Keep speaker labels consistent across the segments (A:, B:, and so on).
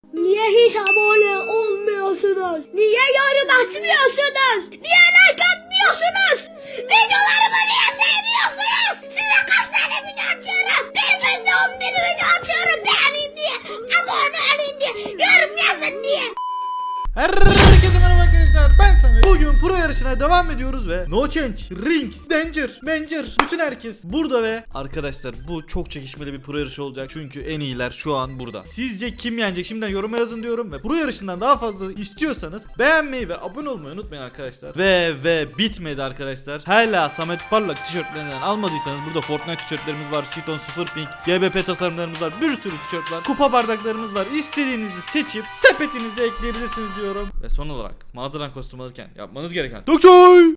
A: Niye hiç abone olmuyorsunuz? Niye yorum açmıyorsunuz? Niye like atmıyorsunuz? Videolarımı niye sevmiyorsunuz? Size kaç tane video atıyorum? Bir günde 11 video atıyorum, beğenin diye, abone olun diye, yorum yazın diye.
B: Herkese merhaba arkadaşlar, ben Samet. Bugün pro yarışına devam ediyoruz ve No Change, Rings, Danger, bütün herkes burada ve arkadaşlar bu çok çekişmeli bir pro yarışı olacak. Çünkü en iyiler şu an burada. Sizce kim yenecek? Şimdiden yoruma yazın diyorum ve pro yarışından daha fazla istiyorsanız beğenmeyi ve abone olmayı unutmayın arkadaşlar. Ve bitmedi arkadaşlar. Hala Samet Parlak tişörtlerinden almadıysanız burada Fortnite tişörtlerimiz var, Cheeton 0 Pink, GBP tasarımlarımız var, bir sürü tişört var, kupa bardaklarımız var. İstediğinizi seçip sepetinize ekleyebilirsiniz diyorum. Ve son olarak mağazadan kostüm alırken yapmanız gereken Dokçoy!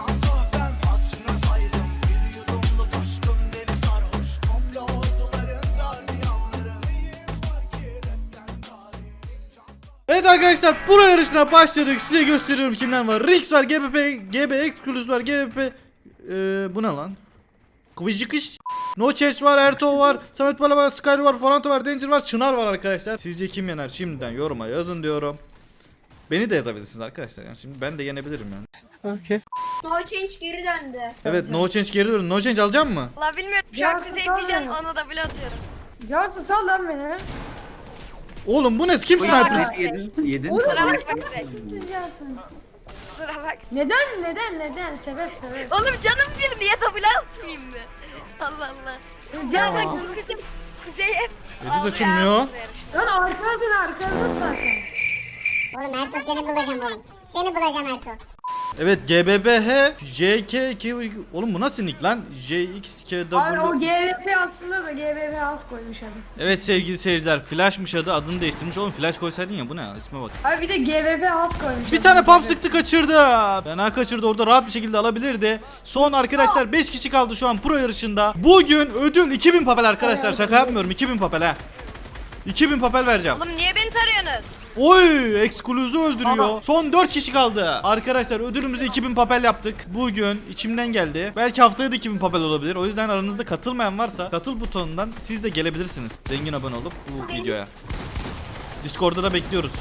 B: Evet arkadaşlar, pro yarışına başladık. Size gösteriyorum kimler var. Rix var, GBP, GB Exclusive var, GBP bu ne lan? Kıvıcıkış. No Change var, Erto var, Samet Pala var, Skyler var, Foranto var, Danger var, Çınar var arkadaşlar. Sizce kim yener? Şimdiden yoruma yazın diyorum. Beni de yazabilirsiniz arkadaşlar. Yani şimdi ben de yenebilirim yani.
C: Okay.
A: No Change geri döndü.
B: Evet, No Change geri dön. No Change alacak mı?
D: La bilmiyorum şu
C: Ya,
D: an kuzey
C: sal
D: pijam
C: beni.
D: onu da bile atıyorum.
C: Ya sal lan beni.
B: Oğlum bu ne? Kim sniper?
C: Yedin.
D: Kusura bakma kuzey.
C: Sıcaksın.
D: Kusura bak.
C: Neden? Sebep.
D: Oğlum canım bir niye double atmayayım mı? Allah Allah. Ya bak kuzey hep
B: Edit
D: aldı ya
B: açılmıyor.
D: bu yarışta.
C: Lan arkadan zaten.
E: Oğlum Ertuğ seni bulacağım oğlum. Seni bulacağım Ertuğ.
B: Evet, GBBH JKK. Oğlum bu nasıl nick lan? JXKW.
C: Abi o GVP aslında da GVP az koymuş adam.
B: Evet sevgili seyirciler, Flash'mış adı, adını değiştirmiş. Oğlum Flash koysaydın ya, bu ne ya, isme bak.
C: Abi bir de GVP az koymuş.
B: Bir tane pump sıktı, kaçırdı. Fena kaçırdı, orada rahat bir şekilde alabilirdi. Son arkadaşlar 5 kişi kaldı şu an pro yarışında. Bugün ödül 2000 papel arkadaşlar, şaka yapmıyorum, 2000 papel ha. 2000 papel vereceğim.
D: Oğlum niye beni tarıyorsunuz?
B: Oy, Excluse'u öldürüyor. Son 4 kişi kaldı. Arkadaşlar ödülümüzü 2000 papel yaptık. Bugün içimden geldi. Belki haftaya da 2000 papel olabilir. O yüzden aranızda katılmayan varsa katıl butonundan siz de gelebilirsiniz. Zengin abone olup bu videoya. Discord'da da bekliyoruz.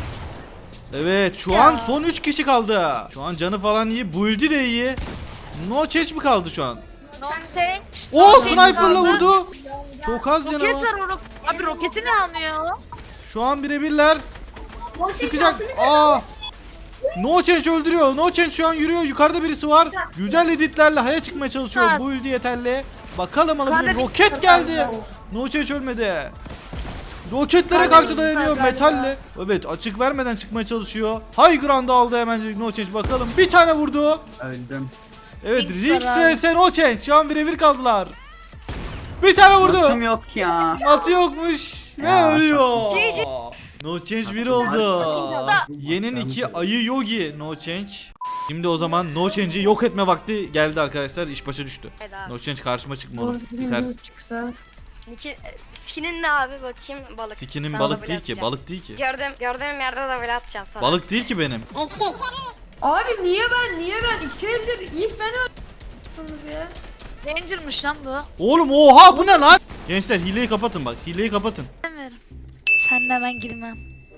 B: Evet, şu an son 3 kişi kaldı. Şu an canı falan iyi, build'i de iyi. No Change mi kaldı şu an?
D: No change.
B: Oo, sniper'la vurdu. Çok az canı var.
D: Abi roketi ne almıyor?
B: Şu an birebirler. Sıkacak. Aa! No Change öldürüyor. No Change şu an yürüyor. Yukarıda birisi var. Güzel editlerle haya çıkmaya çalışıyor. Bu ulti yeterli. Bakalım alabilir. Roket geldi. No Change ölmedi. Roketlere karşı dayanıyor metalle. Evet, açık vermeden çıkmaya çalışıyor. High ground aldı hemen No Change, bakalım. Bir tane vurdu.
C: Öldüm.
B: Evet, Rix vs No Change şu an birebir kaldılar. Bir tane vurdu.
F: Atım yok ya.
B: Atı yokmuş ve
F: Ya,
B: ölüyor.
D: GG.
B: No Change 1 oldu. Yenin 2 ayı Yogi No Change. Şimdi o zaman No Change'i yok etme vakti geldi arkadaşlar. İş başa düştü. No Change karşıma çıkma oğlum. Bitersin.
C: Çıksa.
D: Skinin ne abi bakayım balık.
B: Sikinin
D: Sana
B: balık
D: double
B: değil ki,
D: atacağım.
B: balık değil ki.
D: Gördüğüm yerde de böyle atacağım sana.
B: Balık değil ki benim.
E: Eşek.
C: Abi niye ben? 2 eldir ilk ben öldürdüm ya.
G: Danger'mış lan bu.
B: Oğlum oha, bu ne lan? Gençler hileyi kapatın bak, hileyi kapatın.
G: Bilmiyorum. Senle ben girmem.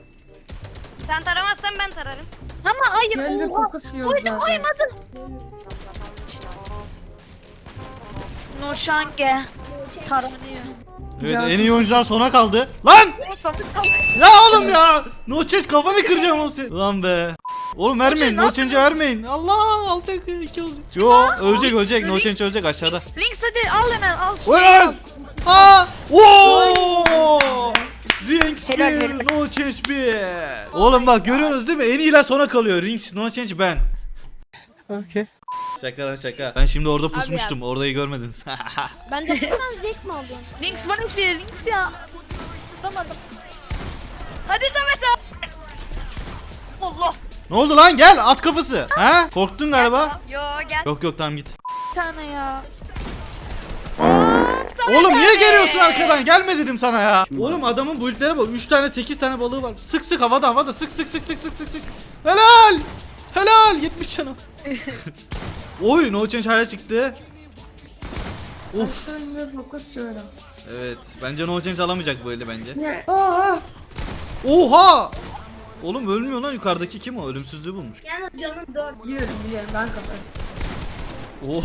D: Sen taramazsan ben tararım.
G: Ama hayır.
C: Gölde
G: Oha.
C: kokusu yok zaten.
G: Koymadın. Nurşange. Taranıyor.
B: Evet,
C: Cansız.
B: en iyi oyuncular sona kaldı. Lan! Ya oğlum ya! No Change, kafanı kıracağım oğlum seni. Lan be. Oğlum vermeyin, No Change'e vermeyin. Allah, alacak 2 olacak. Yo, ölecek. No Change ölecek aşağıda.
G: Links hadi al hemen al.
B: Ulan! Ha! Oo! Rings 1, No Change 1. Oğlum bak, görüyorsunuz değil mi? En iyiler sona kalıyor. Rings, No Change, ben.
C: Okay.
B: Şaka. Ben şimdi orada pusmuştum. Orayı görmediniz.
A: Ben de buradan zevk mi alıyorum?
G: Links bana hiçbir yere Links ya. Tutamadım.
D: Hadi Samet abi. Allah.
B: Ne oldu lan? Gel, at kafası. Ha? Korktun galiba.
D: Yo gel.
B: Yok tamam, git.
G: Bir tane ya.
B: Oğlum niye geliyorsun arkadan? Gelme dedim sana ya. Oğlum adamın build'lere bak. 3 tane 8 tane balığı var. Sık havada sık. Helal 70 canım. Oy, No Change haya çıktı. Of.
C: Aslında fokus şöyle.
B: Evet, bence No Change alamayacak bu eli bence.
C: Ne? Oha.
B: Oha! Oğlum ölmüyor lan, yukarıdaki kim o? Ölümsüzlüğü bulmuş.
A: Yalnız canım 4.
C: Biliyorum ben kapadım.
B: Oo.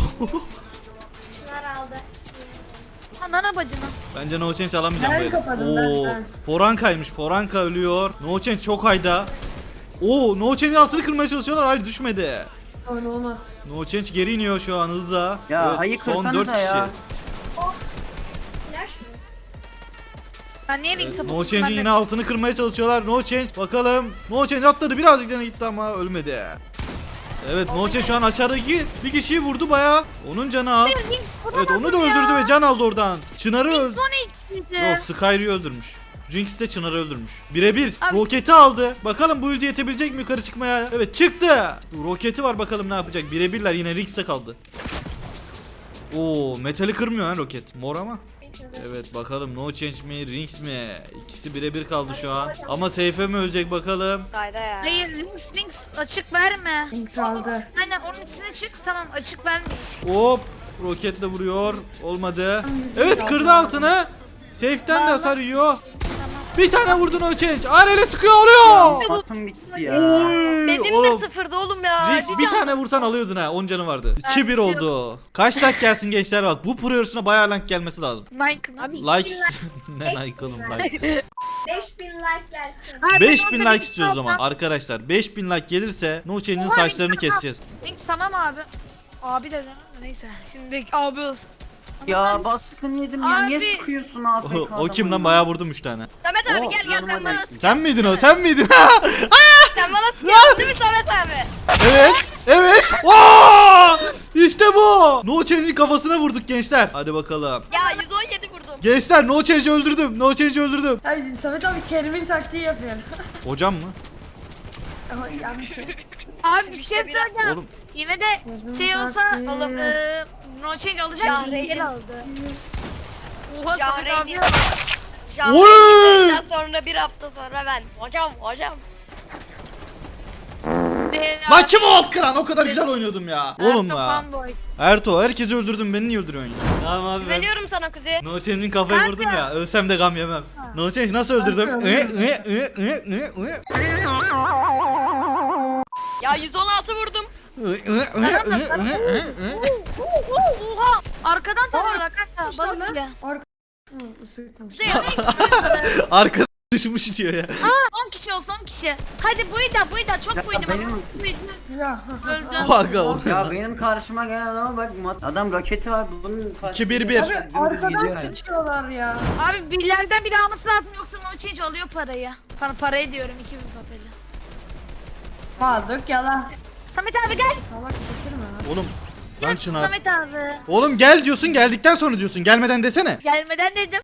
A: Şunlar aldı.
G: Anana bacına.
B: Bence No Change alamayacağım
C: Ben
B: böyle.
C: kapadım, ben.
B: Foranka'ymış. Foranka ölüyor. No Change çok hayda. Oo, No Change'in altını kırmaya çalışıyorlar. Hayır, düşmedi.
C: Öyle olmaz.
B: No Change geri iniyor şu an hızla.
F: Ya, hayır,
B: son
F: kırsanıza
B: 4 kişi.
F: ya.
A: Flash mı?
G: Ben niye link
B: No
G: sapıttım?
B: Change'in yine altını kırmaya çalışıyorlar. No Change bakalım. No Change atladı, birazcık canı gitti ama ölmedi. Evet, No Change şu an aşağıdaki bir kişiyi vurdu bayağı. Onun canı az. Evet, onu da öldürdü ve can aldı oradan. Çınar'ı öldürdü. Yok, Skyry'i öldürmüş. Jinx de Çınar'ı öldürmüş. Birebir.
G: Abi-
B: Roketi aldı. Bakalım bu ulti yetebilecek mi yukarı çıkmaya? Evet, çıktı. Roketi var, bakalım ne yapacak. Birebirler, yine Jinx'te kaldı. Oo, metali kırmıyor ha roket. Mor ama. Evet, bakalım No Change mi Jinx mi? İkisi birebir kaldı şu an. Ama Seyfe mi ölecek bakalım.
D: Kayda ya.
G: Hayır links açık verme.
C: Link aldı.
G: Aynen onun içine çık, tamam açık vermeyiş.
B: Hop, roketle vuruyor. Olmadı. Evet, kırdı altını. Safe'den de hasar yiyor. Bir tane vurdu No Change. Arele sıkıyor, oluyor.
F: Patım bitti ya.
B: Oy,
D: Benim de
B: oğlum.
D: sıfırdı oğlum ya.
B: Jinx bir tane vursan alıyordun ha. 10 canı vardı. 2-1 oldu. Kaç like gelsin gençler bak. Bu pro yarışına bayağı like gelmesi lazım.
G: Nike abi.
B: Like ne like oğlum like.
A: 5000 like gelsin.
G: Abi,
B: 5000
G: orada
B: like istiyoruz o zaman arkadaşlar. 5000 like gelirse No Change'in saçlarını keseceğiz.
G: Links tamam abi. Abi dedim. Neyse şimdi abi olsun.
F: Ya baskın yedim ya. Niye
G: Abi.
F: sıkıyorsun AFK
B: O kim lan, bayağı vurdum 3 tane.
D: Samet abi
F: Oo,
D: gel
F: yanıma
D: sen bana
F: geldi.
B: Sen miydin o? Sen miydin?
D: sen bana sıkıyorsun değil mi Samet abi?
B: Evet. Evet. Oo! İşte bu. No Change'in kafasına vurduk gençler. Hadi bakalım.
D: Ya 117 vurdum.
B: Gençler, No Change'i öldürdüm. No Change'i öldürdüm.
C: Ay Samet abi Kerim'in taktiği yapıyor.
B: Hocam mı?
C: Ama yanlış.
G: Abi bir şey söyleyeceğim.
B: Oğlum.
G: Yine de şey olsa
C: taktiği.
G: oğlum no change alacak
D: Jahreyn.
G: gel aldı. Oha Samet abi.
D: Jahreyn.
B: Oy!
D: Jahreyn sonra bir hafta sonra ben. Hocam.
B: Lan kim o alt kıran? O kadar güzel oynuyordum ya. Oğlum ya.
G: Fanboy.
B: Erto, herkesi öldürdün, beni niye öldürüyorsun ya? Tamam abi, ben
D: Güveniyorum sana Kuzey.
B: No Change'in kafayı vurdum ya. Ölsem de gam yemem. No Change nasıl öldürdüm?
D: Ya 116 vurdum.
G: Oha arkadan tarıyorlar kanka.
C: İşte lan.
G: Balık bile.
C: Arka... Hı, ısıtmış.
D: Kuzey hadi.
B: Arkada düşmüş diyor ya.
G: 10 kişi olsun 10 kişi. Hadi buydu çok
F: Ya
G: buydu.
F: benim-
G: Buydu.
C: Ya.
G: Öldü.
B: O aga o.
F: Ya benim karşıma gelen adama bak, adam roketi var, bunun karşısında
B: 2-1-1.
C: Abi
F: dümdüz
C: arkadan
F: gidiyor yani.
C: sıçıyorlar ya.
G: Abi birilerden biri alması lazım yoksa no change alıyor parayı. Parayı diyorum 2000 papeli.
C: Aldık yalan.
G: Samet abi gel.
C: Salak sıkırma.
B: Oğlum lan Çınar.
G: Samet abi.
B: Oğlum gel diyorsun, geldikten sonra diyorsun. Gelmeden desene.
G: Gelmeden dedim.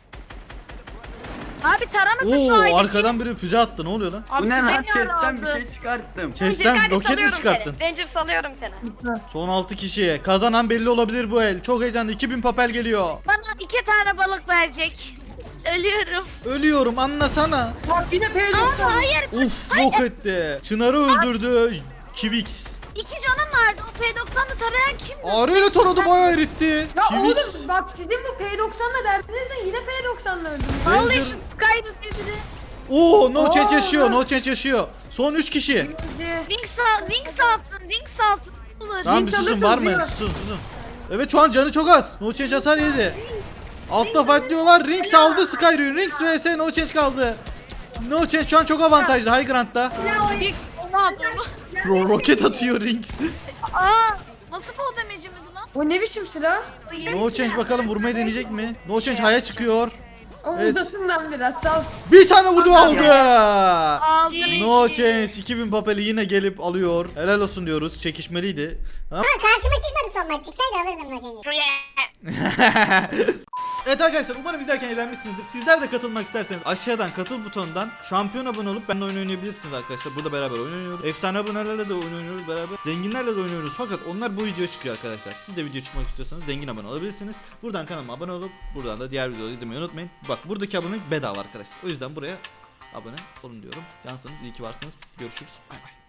G: Abi taramasın şu
B: Oo,
G: ailesi.
B: arkadan biri füze attı. Ne oluyor lan?
G: Abi
F: Bu ne
G: sen
F: lan?
G: ya
F: Chest'ten bir
G: aldı.
F: şey çıkarttım.
B: Chest'ten
D: Kanka,
B: roket mi
D: salıyorum
B: çıkarttın?
D: seni. Ranger salıyorum seni.
B: Son 6 kişi. Kazanan belli olabilir bu el. Çok heyecanlı. 2000 papel geliyor.
G: Bana 2 tane balık verecek. Ölüyorum.
B: Ölüyorum, anlasana.
C: Bak yine peylik
G: Aa, hayır.
B: Uf, yok etti. Çınar'ı öldürdü. Kivix.
G: 2 canım vardı. O P90'ı tarayan kimdi?
B: Ağrıyla taradı, bayağı eritti.
C: Ya
B: Kivix.
C: oğlum bak sizin bu P90'la derdiniz de yine P90'la öldüm.
G: Vallahi
B: Ranger.
G: şu Skyrim diye biri.
B: Oo, No Change
C: Aa.
B: yaşıyor. No Change yaşıyor. Son 3 kişi.
G: Link salsın. Olur.
B: Tamam, bir
C: Link
B: susun,
C: alırsın,
B: var mı?
C: zero.
B: Susun. Evet, şu an canı çok az. No Change hasar yedi. Altta fightlıyorlar. Rings aldı Skyrim. Rings vs No Change kaldı. No Change şu an çok avantajlı High Ground'da.
G: Link onu at onu.
B: Roket atıyor Rings.
G: Aa, nasıl fall damage'imiz lan?
C: O ne biçim silah?
B: No Change bakalım vurmayı deneyecek mi? No Change High'a çıkıyor.
C: O
B: Evet.
C: udasından biraz sal.
B: Bir tane vurdu, aldı.
G: Aldı.
B: No Change 2000 papeli yine gelip alıyor. Helal olsun diyoruz. Çekişmeliydi.
E: Ama karşıma çıkmadı son maç. Çıksaydı alırdım Nocen'i.
B: Evet arkadaşlar, umarım izlerken eğlenmişsinizdir. Sizler de katılmak isterseniz aşağıdan katıl butonundan şampiyon abone olup benimle oyun oynayabilirsiniz arkadaşlar. Burada beraber oyun oynuyoruz. Efsane abonelerle de oyun oynuyoruz beraber. Zenginlerle de oynuyoruz fakat onlar bu video çıkıyor arkadaşlar. Siz de video çıkmak istiyorsanız zengin abone olabilirsiniz. Buradan kanalıma abone olup buradan da diğer videoları izlemeyi unutmayın. Bak, buradaki abonelik bedava arkadaşlar. O yüzden buraya abone olun diyorum. Cansınız, iyi ki varsınız. Görüşürüz. Bay bay.